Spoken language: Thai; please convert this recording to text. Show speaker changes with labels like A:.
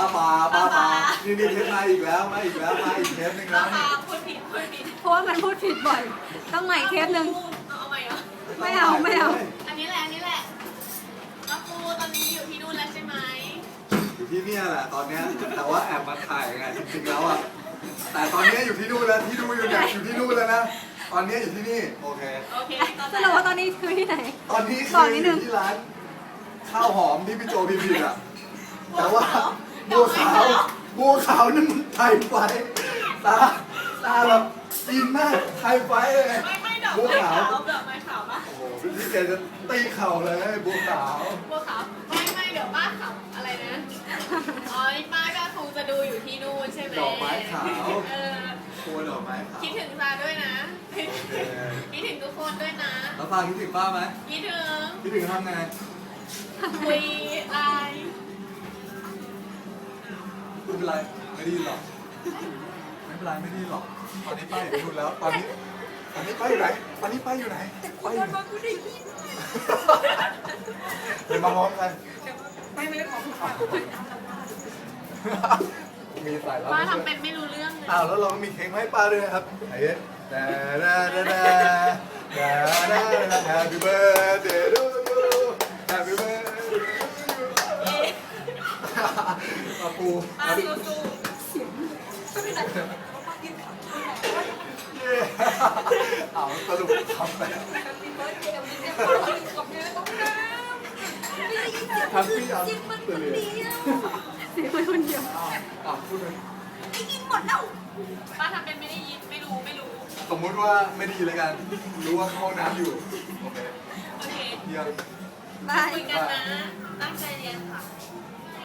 A: ป้านี่เทปมาอีกแล้วมาอีกเทปหนึ่งแล้วนี่
B: พูดผิด
C: เพราะว่ามันพูดผิดบ่อยต้องใหม่เทปหนึ่ง
B: เอาใหม่เหรอ
C: ไม่เอา
B: อันนี้แหละป้าปูตอนนี้อยู่ที่นู่นแล้วใช่ไหม
A: อยู่ที่เนี่ยแหละตอนเนี้ยแต่ว่าแอบมาถ่ายไงจริงๆแล้วอ่ะแต่ตอนนี้อยู่ที่นู่นแล้วที่ดูอยู่เนี่ยอยู่ที่นู่นแล้วนะตอนนี้อยู่ที่นี่โอเค
C: สรุปว่าตอนนี้คือที่ไหน
A: ตอนนี้
C: บ
A: คือ
C: อกนิดนึ
A: อง ยู่ที่ร้านข้าวหอมที่พี่โจพิมพ์อ่ะแต่ว่าบัวขาวนั่นมันไทยไฟตาแบบจีนมากไทยไฟเลย
B: ไม่ดอก
A: บัว
B: ไม้
A: ขา
B: ขาว วดอกไม้ขาวปะ
A: โอ้โหพี่แกจะตีเข่าเลยบัวขาว
B: บัวขาวไม่เดี๋ยวป้าขำอะไรนะอ๋อป้าก็คงจะดูอยู่ที่นู่นใช่ไหม
A: ดอกไม้ขาว
B: เ
A: ตัวดอกไม้ขาว
B: คิดถึงซาด้วยนะ
A: โอเค
B: คิดถึงทุกคนด้วยนะ
A: แล้วฟ้าคิดถึงป้าไหม
B: คิดถึง
A: คิดถึงทำไง
B: คุยไลน์
A: ไม่เป็นไรไม่ได้ยินหรอกไม่เป็นไรไม่ได้ยินหรอกตอนนี้ป้าอยู่นู่นแล้วตอนนี้ป้าอยู่ไหนตอนนี้ป้าอยู่ไหนป้าอยู่ไหนเดี๋ยวมาพร้อมกัน
B: ไม่ได้ของ
A: มีสายลับ
B: ป้าทำเป็นไม่รู้เรื่องเลย
A: อ้าวแล้วเรามีเค้กให้ป้าด้วยนะครับไหนHappy birthday to you Happy birthday to you ป้าปู
B: ป้าสู้
A: เอาสรุปทำไปทำพี่เอาตัวเลีย
C: เสียงคนเดียว
A: พูดเลย
B: ป้าทำเป็นไม่ได้ยินไม่รู้
A: สมมุติว่าไม่ดีแล้วกัน รู้ว่าเข้าน้ำอยู่ โอเค
B: โอเค
A: เยี่ยม
C: บาย
B: คุยกันนะ